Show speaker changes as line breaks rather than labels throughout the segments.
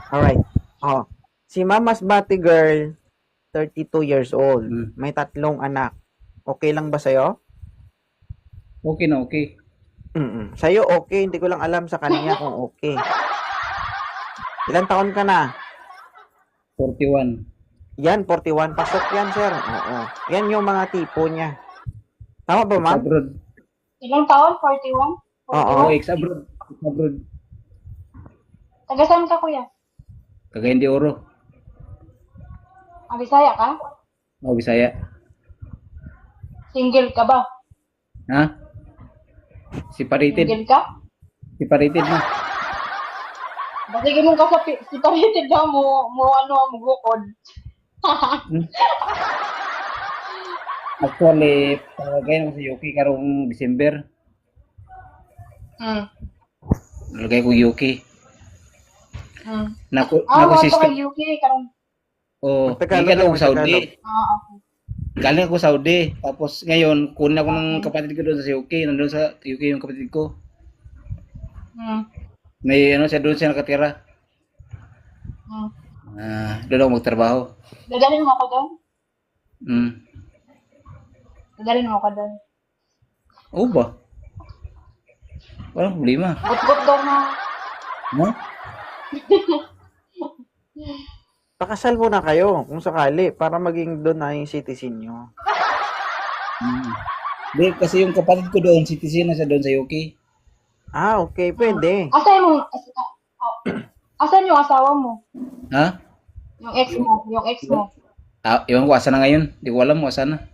Alright. Oh, si Mama's Bati Girl, 32 years old. May 3 anak. Okay lang ba sa'yo?
Okay na, okay.
Sa'yo okay, hindi ko lang alam sa kanya kung okay. Ilan taon ka na?
41.
Yan, 41. Pasok yan, sir. Oo. Yan yung mga tipo niya. Tama ba, ma'am?
Ex-abroad.
Ilang taon? 41?
Oo.
Oo,
41?
ex-abroad. Ex-abroad.
Taga saan ka, kuya?
Cagayan de Oro.
Bisaya ka?
O, Bisaya.
Single ka ba?
Ha? Separated.
Single ka?
Separated na.
Basta mo ka sa separated na mo bukod.
Actually, palagay naman sa Yuki karong December.
Hmm.
Nalagay ko Yuki.
Hmm.
Naku
Wala ka
sister.
kay UK karong.
Oh,
Tagalog
gikan ako
lang,
Saudi.
Tagalog.
Okay.
Galing ako Saudi. Tapos ngayon, kunin ako ng kapatid ko doon sa UK. Nandun sa UK yung kapatid ko.
Hmm.
May ano siya doon siya nakatira.
Hmm.
Doon ako magtrabaho.
Dadalhin mo ako doon?
Mm.
Dadalhin mo ako doon.
Oo ba? Walang problema.
Gut-gut daw na.
No?
Pakasal muna kayo kung sakali para maging doon na yung citizen nyo.
Hindi, kasi yung kapatid ko doon, citizen na siya doon sa UK.
Ah, okay. Pwede.
Asan yung asawa mo?
Ha?
Yung ex mo, yung ex mo.
Ewan ko, asa na ngayon? Di ko alam kung asa na.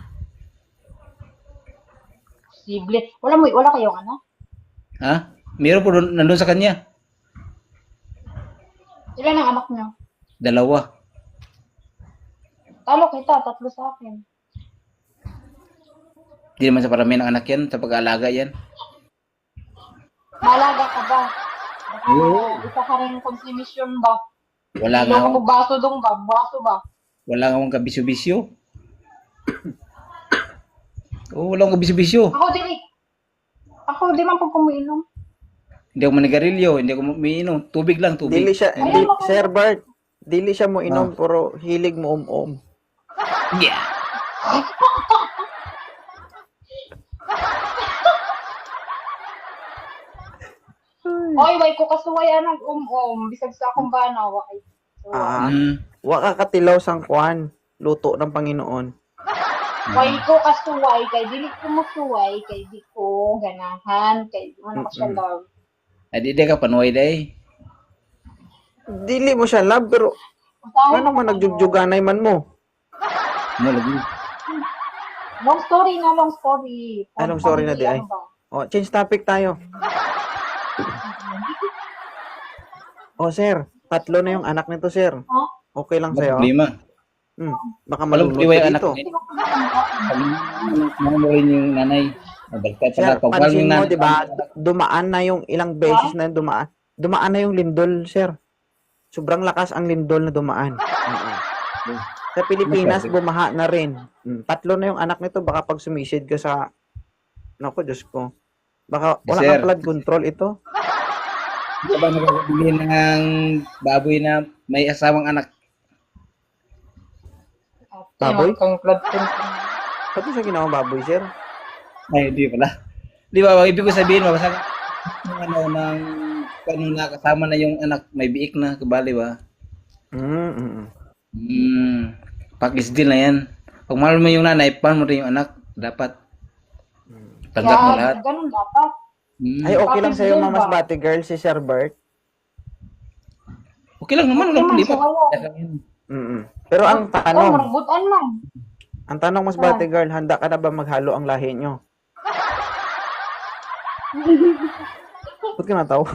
Posible. Wala kayong anak?
Ha? Meron po doon, nandun sa kanya.
Ilan ang anak niyo?
2.
Talo kita, 3 sa akin.
Di naman sa parami ng anak yan, sa pag-aalaga yan.
Malaga ka ba? Baka isa ka rin consumption ba?
Wala nga
Ilo ka
akong,
mo baso dong ba? Baso ba?
wala nga akong kabisyo-bisyo. Oo, wala akong kabisyo-bisyo.
Ako di man po kumiinom.
Hindi ako manigarilyo, hindi ako umiinom. Tubig lang, tubig.
Dili siya, Sir Bart, dili siya mo inom,
Ah.
puro hilig mo
Yeah.
Oy, way ko kasuway anag bisag sa akong bana way.
Ah,
Mm.
wa ka katilaw sang kwan, luto ng Panginoon.
Way ko kasuway kay dili ko mosuway kay di ko ganahan kay di man ako siya love.
Adi di ka panuway day.
Dili mo siya love, pero
Usahay
ano man nagjugjuganay man mo?
Mo lagi.
Long story na long story.
Anong story na di ay?
Ano ba?
O, change topic tayo. O, sir, 3 na yung anak nito, sir.
Ha?
Okay lang
Wala
sa'yo?
problema.
Baka
Walang
malunod
problema
ka
yung anak
dito.
ko. Mga mo rin yung nanay. Nabaliktad
Sir,
pala. Pag walang
pansin
yung
mo,
nanay.
di ba, dumaan na yung ilang beses na dumaan. Dumaan na yung lindol, sir. Sobrang lakas ang lindol na dumaan. Oo. Sa Pilipinas, bumaha na rin. 3 na yung anak nito. Baka pag sumisid ka sa... Naku, Diyos ko. Baka wala
Sir.
kang flood control ito.
Hindi ka ba nakakabili ng baboy na may asawang anak?
Baboy?
Kang blood control.
Pati sa ginawang baboy, sir.
Ay, hindi pala. Di ba, ibig ko sabihin, mabasa ng ano, ng kung nakasama na yung anak, may biik na, kabali ba? Pakisdil na yan. Pag mahal mo yung nanay, paano mo rin yung anak? Dapat. Tanggap mo lahat.
Ganun dapat.
Ay, okay lang sa'yo,
Bakit
Mama's
ba?
Bati Girl, si Sir Bert.
Okay lang naman, walang
Okay man,
problema.
sawaya.
Pero ang tanong,
Maragbutan man.
Mas Bati Girl, handa ka na ba maghalo ang lahi nyo? Ba't ka natawa?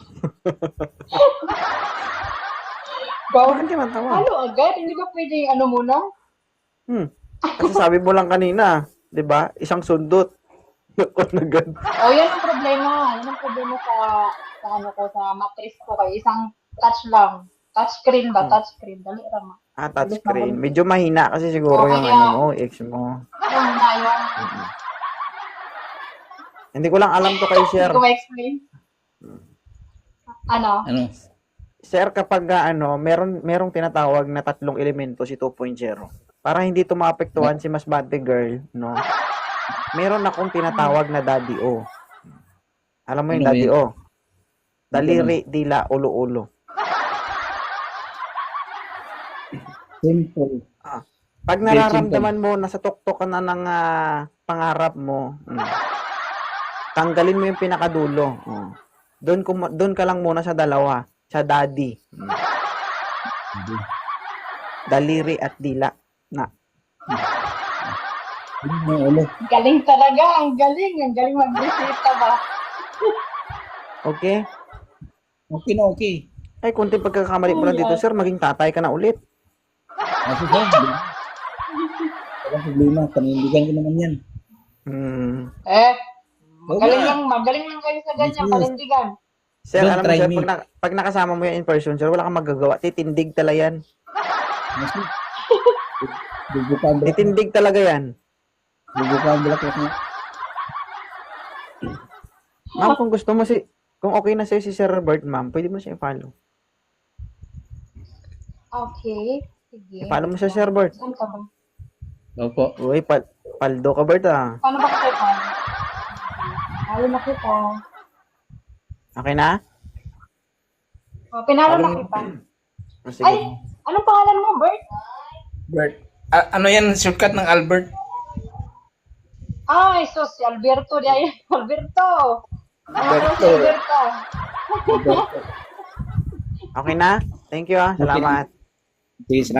Bakit ka natawa?
Halo agad? Hindi ba pwede yung ano muna?
Kasi sabi mo lang kanina, di ba? Isang sundot. Agad.
Yan ang problema. Yan ang problema sa ano ko, sa mattress ko. Kay isang touch lang. Touchscreen ba? Touchscreen. Dali lang.
Touchscreen. Medyo mahina kasi siguro yung
Kaya-
ano mo, ex mo.
Yung na yung,
Hindi ko lang alam to kay Sir.
hindi ko ma-explain. Ano?
Ano?
Sir, kapag merong tinatawag na tatlong elemento si 2.0. Para hindi to maapektuhan si Masbate Girl, no? Meron akong tinatawag na Daddy O. Alam mo yung
Ano
Daddy
yun?
O? Daliri, dila, ulo-ulo.
Simple.
Pag
Very
nararamdaman mo na sa tuktok ka na ng pangarap mo, tanggalin mo yung pinakadulo. Doon ka lang muna sa dalawa, sa daddy. Daliri at dila. Na.
Ulo.
Galing talaga, ang galing mag-resita ba?
Okay?
Okay na okay.
Ay, kunting pagkakamali mo lang dito, sir, maging tatay ka na ulit.
Kasi sir, walang problema. Panindigan ko naman yan.
Magaling lang kayo sa ganyan, panindigan.
Sir,
Don't
alam mo,
try
sir,
me.
pag nakasama mo yan in person, sir, wala kang magagawa. Titindig talaga yan.
Kasi, bubukaan balak.
Titindig talaga yan.
Bubukaan balak ako.
Ma'am, kung okay na sa'yo si Sir Robert, ma'am, pwede mo siya i-follow.
Okay, sige.
I-follow mo siya, Sir Robert.
Saan ka ba?
Opo.
Uy, paldo ka, Bert, ah.
Paano ba kita? Ayaw na kita.
Okay na?
Pinalo na kita.
Sige.
Ay, anong pangalan mo, Bert?
Bert. Ano yan? Shortcut ng Albert?
Ay, sus, si Alberto. Alberto.
Alberto.
Alberto.
Okay na? Thank you, ah. Salamat.
Sige,